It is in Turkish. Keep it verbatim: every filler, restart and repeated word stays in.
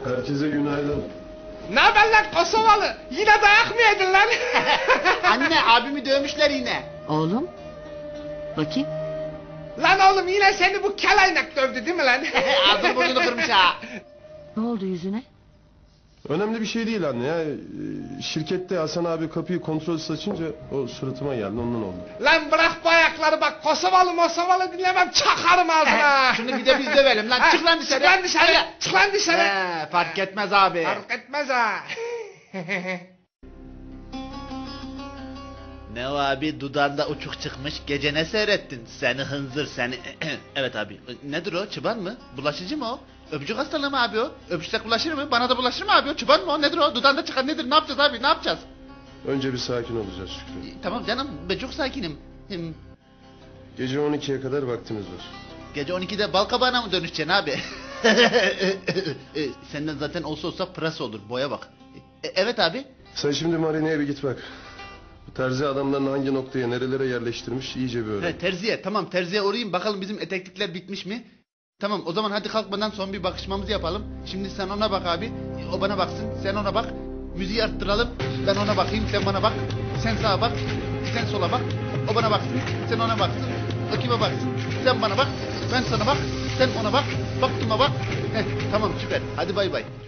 Herkese günaydın. Ne haber lan Kosovalı? Yine dayak mı yedin lan? Anne abimi dövmüşler yine. Oğlum. Bakayım. Lan oğlum yine seni bu kelaynak dövdü değil mi lan? Ağzını burnunu kırmış ha. Ne oldu yüzüne? Önemli bir şey değil anne ya. Ee, Şirkette Hasan abi kapıyı kontrolsüz açınca o suratıma geldi, ondan oldu. Lan bırak bu ayakları bak, Kosovalı Mosovalı dinlemem, çakarım ağzına. Şunu bir de biz dövelim lan. Çık lan dışarı. Çık lan dışarı. Hadi. Çık lan dışarı. He, fark etmez abi. Fark etmez ha. Ne o abi, dudağında uçuk çıkmış, gece ne seyrettin? Seni hınzır seni. Evet abi, nedir o, çıban mı? Bulaşıcı mı o? Öpücük hastalığı mı abi o? Öpüşsek bulaşır mı? Bana da bulaşır mı abi o? Çıban mı o? Nedir o? Dudağında çıkan nedir? Ne yapacağız abi? Ne yapacağız? Önce bir sakin olacağız Şükrü. Tamam canım, ben çok sakinim. Hem Gece on ikiye kadar vaktimiz var. gece on ikide balkabağına mı dönüşeceksin abi? E, Senden zaten olsa olsa pırasa olur, boya bak. E, evet abi. Sen şimdi marineye bir git bak. Bu terzi adamlarını hangi noktaya, nerelere yerleştirmiş iyice bir öğren. He, terziye, tamam terziye uğrayayım, bakalım bizim eteklikler bitmiş mi? Tamam, o zaman hadi kalkmadan son bir bakışmamızı yapalım. Şimdi sen ona bak abi, o bana baksın, sen ona bak. Müziği arttıralım, ben ona bakayım, sen bana bak. Sen sağa bak, sen sola bak. O bana baksın, sen ona baksın. O kime baksın, sen bana bak. Ben sana bak, sen ona bak. Baktığıma bak. Heh, tamam süper, hadi bay bay.